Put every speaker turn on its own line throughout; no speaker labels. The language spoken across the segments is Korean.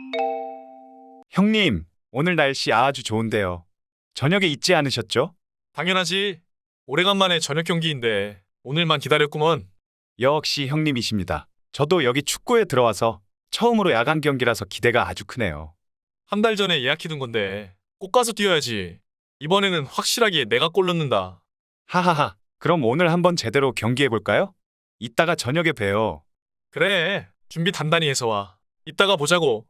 형님, 오늘 날씨 아주 좋은데요. 저녁에 잊지 않으셨죠?
당연하지. 오래간만에 저녁 경기인데 오늘만 기다렸구먼.
역시 형님이십니다. 저도 여기 축구에 들어와서 처음으로 야간 경기라서 기대가 아주 크네요.
한 달 전에 예약해둔 건데 꼭 가서 뛰어야지. 이번에는 확실하게 내가 골 넣는다.
하하하, 그럼 오늘 한번 제대로 경기해볼까요? 이따가 저녁에 봬요.
그래, 준비 단단히 해서 와. 이따가 보자고.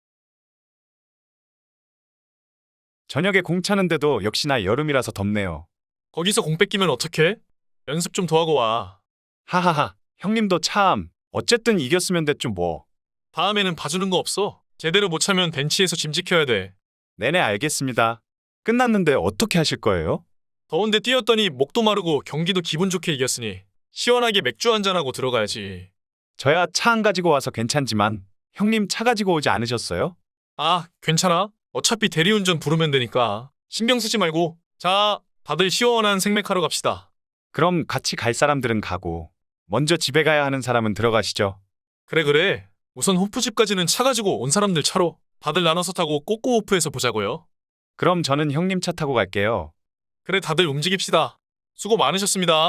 저녁에 공 차는데도 역시나 여름이라서 덥네요.
거기서 공 뺏기면 어떡해? 연습 좀 더 하고 와.
하하하, 형님도 참, 어쨌든 이겼으면 됐죠 뭐.
다음에는 봐주는 거 없어. 제대로 못 차면 벤치에서 짐 지켜야 돼.
네네 알겠습니다. 끝났는데 어떻게 하실 거예요?
더운데 뛰었더니 목도 마르고 경기도 기분 좋게 이겼으니 시원하게 맥주 한잔하고 들어가야지.
저야 차 안 가지고 와서 괜찮지만 형님 차 가지고 오지 않으셨어요?
아, 괜찮아. 어차피 대리운전 부르면 되니까 신경 쓰지 말고. 자, 다들 시원한 생맥하러 갑시다.
그럼 같이 갈 사람들은 가고 먼저 집에 가야 하는 사람은 들어가시죠.
그래 그래. 우선 호프집까지는 차 가지고 온 사람들 차로 다들 나눠서 타고 꼬꼬호프에서 보자고요.
그럼 저는 형님 차 타고 갈게요.
그래 다들 움직입시다. 수고 많으셨습니다.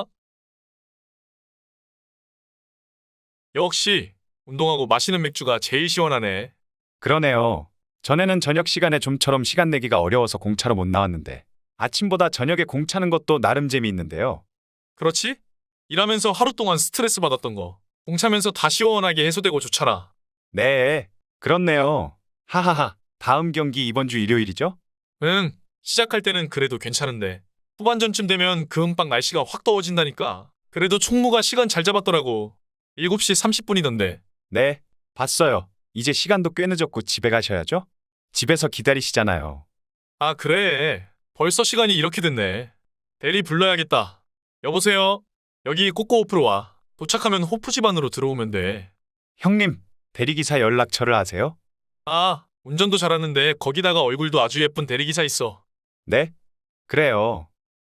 역시 운동하고 마시는 맥주가 제일 시원하네.
그러네요. 전에는 저녁 시간에 좀처럼 시간 내기가 어려워서 공차로 못 나왔는데 아침보다 저녁에 공 차는 것도 나름 재미있는데요.
그렇지? 일하면서 하루 동안 스트레스 받았던 거 공차면서 다 시원하게 해소되고 좋잖아.
네, 그렇네요. 하하하, 다음 경기 이번 주 일요일이죠?
응, 시작할 때는 그래도 괜찮은데 후반전쯤 되면 금방 날씨가 확 더워진다니까. 그래도 총무가 시간 잘 잡았더라고. 7시 30분이던데.
네, 봤어요. 이제 시간도 꽤 늦었고 집에 가셔야죠? 집에서 기다리시잖아요.
아, 그래. 벌써 시간이 이렇게 됐네. 대리 불러야겠다. 여보세요? 여기 꼬꼬호프로 와. 도착하면 호프 집안으로 들어오면 돼.
형님, 대리기사 연락처를 아세요?
아, 운전도 잘하는데 거기다가 얼굴도 아주 예쁜 대리기사 있어.
네? 그래요.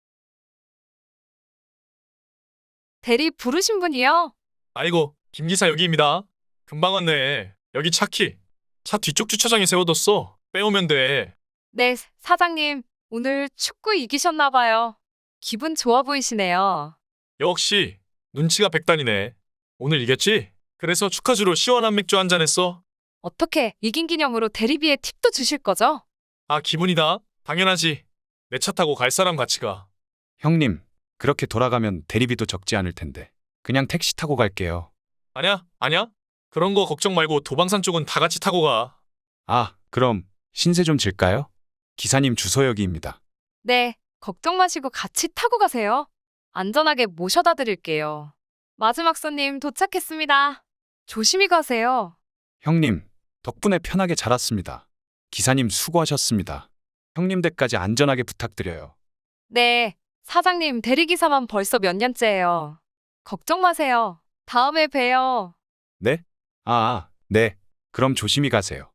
대리 부르신 분이요?
아이고, 김기사 여기입니다. 금방 왔네. 여기 차키. 차 뒤쪽 주차장에 세워뒀어. 빼오면 돼.
네, 사장님. 오늘 축구 이기셨나 봐요. 기분 좋아 보이시네요.
역시 눈치가 백단이네. 오늘 이겼지? 그래서 축하주로 시원한 맥주 한잔 했어.
어떻게 이긴 기념으로 대리비에 팁도 주실 거죠?
아, 기분이다. 당연하지. 내 차 타고 갈 사람 같이 가.
형님, 그렇게 돌아가면 대리비도 적지 않을 텐데. 그냥 택시 타고 갈게요.
아냐? 아냐? 그런 거 걱정 말고 도방산 쪽은 다 같이 타고 가.
아, 그럼 신세 좀 질까요? 기사님 주소 여기입니다.
네, 걱정 마시고 같이 타고 가세요. 안전하게 모셔다 드릴게요. 마지막 손님 도착했습니다. 조심히 가세요.
형님, 덕분에 편하게 잘 왔습니다. 기사님 수고하셨습니다. 형님 댁까지 안전하게 부탁드려요.
네, 사장님 대리기사만 벌써 몇 년째예요. 걱정 마세요. 다음에 봬요.
네? 네. 그럼 조심히 가세요.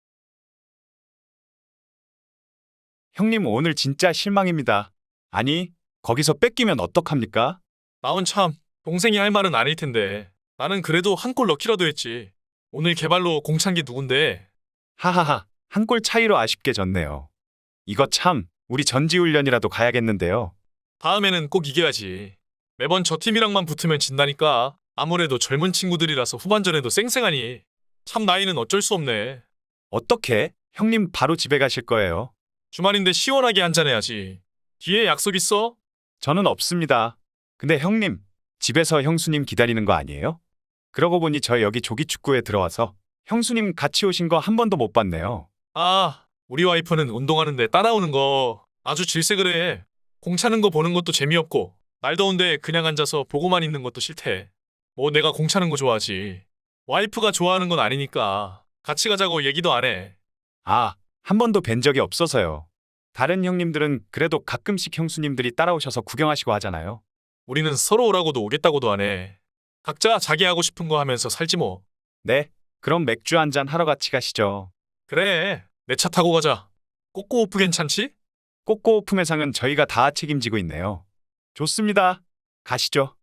형님 오늘 진짜 실망입니다. 아니, 거기서 뺏기면 어떡합니까?
나온 참, 동생이 할 말은 아닐 텐데. 나는 그래도 한 골 넣기라도 했지. 오늘 개발로 공찬 게 누군데?
하하하, 한 골 차이로 아쉽게 졌네요. 이거 참, 우리 전지훈련이라도 가야겠는데요.
다음에는 꼭 이겨야지. 매번 저 팀이랑만 붙으면 진다니까. 아무래도 젊은 친구들이라서 후반전에도 쌩쌩하니. 참 나이는 어쩔 수 없네.
어떻게? 형님 바로 집에 가실 거예요?
주말인데 시원하게 한잔해야지. 뒤에 약속 있어?
저는 없습니다. 근데 형님, 집에서 형수님 기다리는 거 아니에요? 그러고 보니 저 여기 조기축구에 들어와서 형수님 같이 오신 거 한 번도 못 봤네요.
아, 우리 와이프는 운동하는데 따라오는 거 아주 질색을 해. 공 차는 거 보는 것도 재미없고 날 더운데 그냥 앉아서 보고만 있는 것도 싫대. 뭐 내가 공 차는 거 좋아하지. 와이프가 좋아하는 건 아니니까 같이 가자고 얘기도 안 해.
아, 한 번도 뵌 적이 없어서요. 다른 형님들은 그래도 가끔씩 형수님들이 따라오셔서 구경하시고 하잖아요.
우리는 서로 오라고도 오겠다고도 안 해. 각자 자기 하고 싶은 거 하면서 살지 뭐.
네, 그럼 맥주 한잔 하러 같이 가시죠.
그래, 내 차 타고 가자. 꼬꼬호프 괜찮지?
꼬꼬오프 매상은 저희가 다 책임지고 있네요. 좋습니다. 가시죠.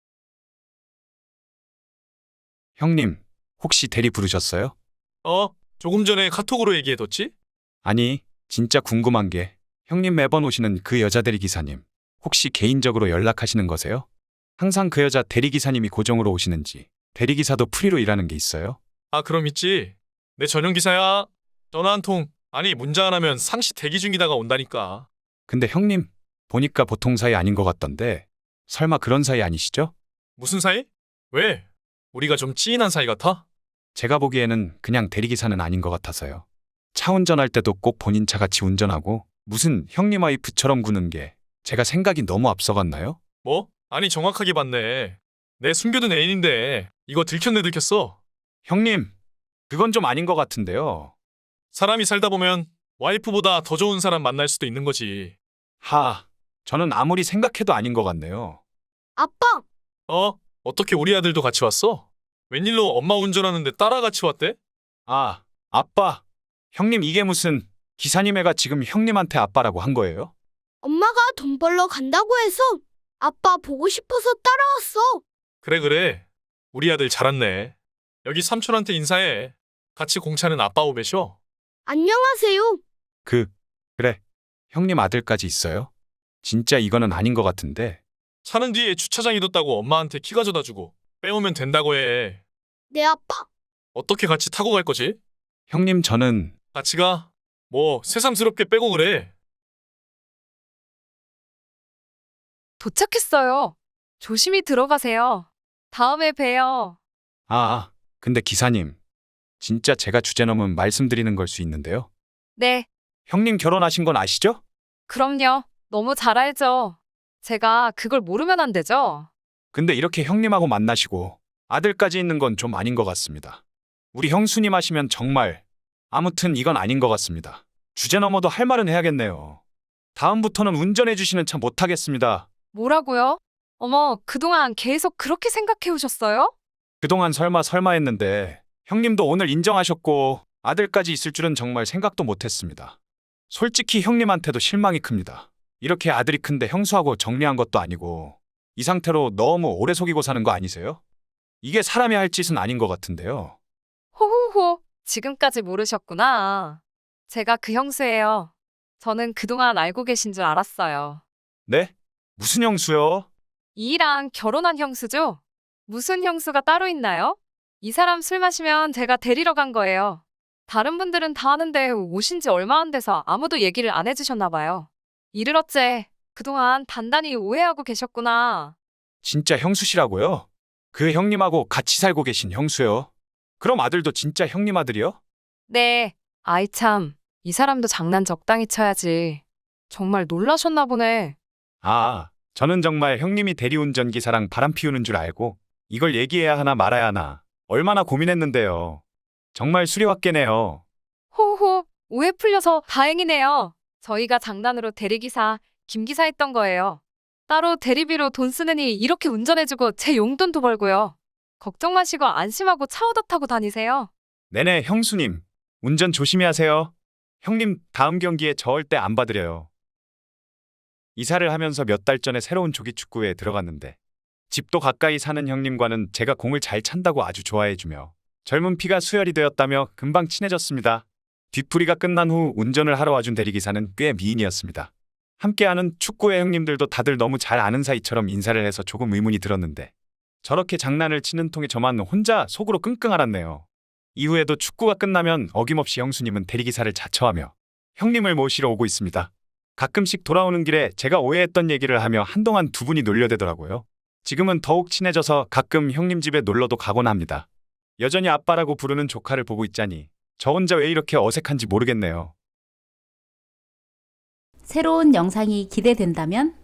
형님, 혹시 대리 부르셨어요?
어, 조금 전에 카톡으로 얘기해뒀지?
아니, 진짜 궁금한 게 형님 매번 오시는 그 여자 대리기사님 혹시 개인적으로 연락하시는 거세요? 항상 그 여자 대리기사님이 고정으로 오시는지 대리기사도 프리로 일하는 게 있어요?
아, 그럼 있지. 내 전용 기사야. 전화 한 통, 아니 문자 안 하면 상시 대기 중이다가 온다니까.
근데 형님 보니까 보통 사이 아닌 것 같던데 설마 그런 사이 아니시죠?
무슨 사이? 왜? 우리가 좀 찌인한 사이 같아?
제가 보기에는 그냥 대리기사는 아닌 것 같아서요. 차 운전할 때도 꼭 본인 차 같이 운전하고 무슨 형님 와이프처럼 구는 게 제가 생각이 너무 앞서갔나요?
뭐? 아니 정확하게 봤네. 내 숨겨둔 애인인데 이거 들켰네 들켰어.
형님, 그건 좀 아닌 것 같은데요.
사람이 살다 보면 와이프보다 더 좋은 사람 만날 수도 있는 거지.
저는 아무리 생각해도 아닌 것 같네요.
아빠,
어떻게 우리 아들도 같이 왔어? 웬일로 엄마 운전하는데 따라 같이 왔대?
아빠. 형님 이게 무슨 기사님 애가 지금 형님한테 아빠라고 한 거예요?
엄마가 돈 벌러 간다고 해서 아빠 보고 싶어서 따라왔어.
그래. 우리 아들 잘 왔네. 여기 삼촌한테 인사해. 같이 공차는 아빠 오배셔.
안녕하세요.
그래. 형님 아들까지 있어요? 진짜 이거는 아닌 것 같은데.
차는 뒤에 주차장 둬뒀다고 엄마한테 키 가져다 주고 빼오면 된다고 해.
네, 아빠.
어떻게 같이 타고 갈 거지?
형님 저는
같이 가. 뭐 새삼스럽게 빼고 그래.
도착했어요. 조심히 들어가세요. 다음에 봬요.
근데 기사님. 진짜 제가 주제 넘은 말씀드리는 걸 수 있는데요.
네,
형님 결혼하신 건 아시죠?
그럼요. 너무 잘 알죠. 제가 그걸 모르면 안 되죠.
근데 이렇게 형님하고 만나시고 아들까지 있는 건 좀 아닌 것 같습니다. 우리 형수님 하시면 정말 아무튼 이건 아닌 것 같습니다. 주제 넘어도 할 말은 해야겠네요. 다음부터는 운전해 주시는 차 못하겠습니다.
뭐라고요? 어머, 그동안 계속 그렇게 생각해 오셨어요?
그동안 설마 했는데 형님도 오늘 인정하셨고 아들까지 있을 줄은 정말 생각도 못했습니다. 솔직히 형님한테도 실망이 큽니다. 이렇게 아들이 큰데 형수하고 정리한 것도 아니고 이 상태로 너무 오래 속이고 사는 거 아니세요? 이게 사람이 할 짓은 아닌 것 같은데요.
호호호, 지금까지 모르셨구나. 제가 그 형수예요. 저는 그동안 알고 계신 줄 알았어요.
네? 무슨 형수요?
이랑 결혼한 형수죠? 무슨 형수가 따로 있나요? 이 사람 술 마시면 제가 데리러 간 거예요. 다른 분들은 다 아는데 오신 지 얼마 안 돼서 아무도 얘기를 안 해주셨나 봐요. 이를 어째 그동안 단단히 오해하고 계셨구나.
진짜 형수시라고요? 그 형님하고 같이 살고 계신 형수요? 그럼 아들도 진짜 형님 아들이요?
네, 아이 참, 이 사람도 장난 적당히 쳐야지. 정말 놀라셨나 보네.
저는 정말 형님이 대리운전 기사랑 바람 피우는 줄 알고 이걸 얘기해야 하나 말아야 하나 얼마나 고민했는데요. 정말 수리왔겠네요.
호호, 오해 풀려서 다행이네요. 저희가 장난으로 대리기사, 김기사 했던 거예요. 따로 대리비로 돈 쓰느니 이렇게 운전해주고 제 용돈도 벌고요. 걱정 마시고 안심하고 차 얻어 타고 다니세요.
네네 형수님. 운전 조심히 하세요. 형님 다음 경기에 절대 안 봐드려요. 이사를 하면서 몇 달 전에 새로운 조기축구회에 들어갔는데 집도 가까이 사는 형님과는 제가 공을 잘 찬다고 아주 좋아해주며 젊은 피가 수혈이 되었다며 금방 친해졌습니다. 뒷풀이가 끝난 후 운전을 하러 와준 대리기사는 꽤 미인이었습니다. 함께하는 축구회 형님들도 다들 너무 잘 아는 사이처럼 인사를 해서 조금 의문이 들었는데 저렇게 장난을 치는 통에 저만 혼자 속으로 끙끙 앓았네요. 이후에도 축구가 끝나면 어김없이 형수님은 대리기사를 자처하며 형님을 모시러 오고 있습니다. 가끔씩 돌아오는 길에 제가 오해했던 얘기를 하며 한동안 두 분이 놀려대더라고요. 지금은 더욱 친해져서 가끔 형님 집에 놀러도 가곤 합니다. 여전히 아빠라고 부르는 조카를 보고 있자니 저 혼자 왜 이렇게 어색한지 모르겠네요.
새로운 영상이 기대된다면